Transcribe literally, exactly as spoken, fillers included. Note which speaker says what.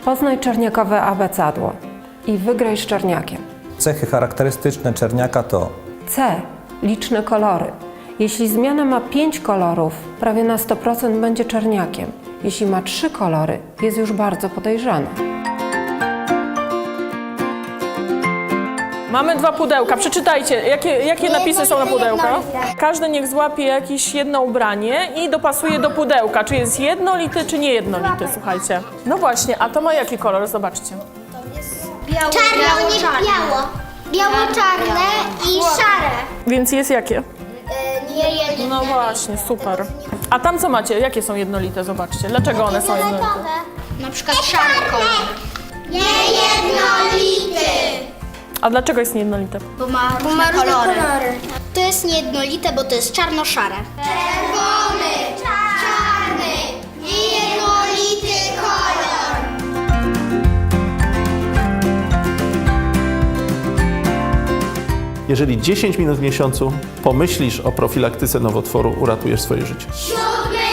Speaker 1: Poznaj czerniakowe abecadło i wygraj z czerniakiem.
Speaker 2: Cechy charakterystyczne czerniaka to
Speaker 1: C. Liczne kolory. Jeśli zmiana ma pięć kolorów, prawie na sto procent będzie czerniakiem. Jeśli ma trzy kolory, jest już bardzo podejrzana.
Speaker 3: Mamy dwa pudełka. Przeczytajcie, jakie, jakie napisy są na pudełkach. Każdy niech złapie jakieś jedno ubranie i dopasuje do pudełka. Czy jest jednolity, czy niejednolity, słuchajcie. No właśnie, a to ma jaki kolor? Zobaczcie.
Speaker 4: Biało, czarno, nie biało. Biało-czarne i szare.
Speaker 3: Więc jest jakie?
Speaker 4: Nie jedno.
Speaker 3: No właśnie, super. A tam co macie? Jakie są jednolite? Zobaczcie. Dlaczego one są jednolite?
Speaker 4: Na przykład szary kolor. Niejednolity.
Speaker 3: A dlaczego jest niejednolite?
Speaker 4: Bo ma różne kolory. To jest niejednolite, bo to jest czarno-szare. Czerwony, czarny, niejednolity kolor.
Speaker 5: Jeżeli dziesięć minut w miesiącu pomyślisz o profilaktyce nowotworu, uratujesz swoje życie.
Speaker 4: Siódmy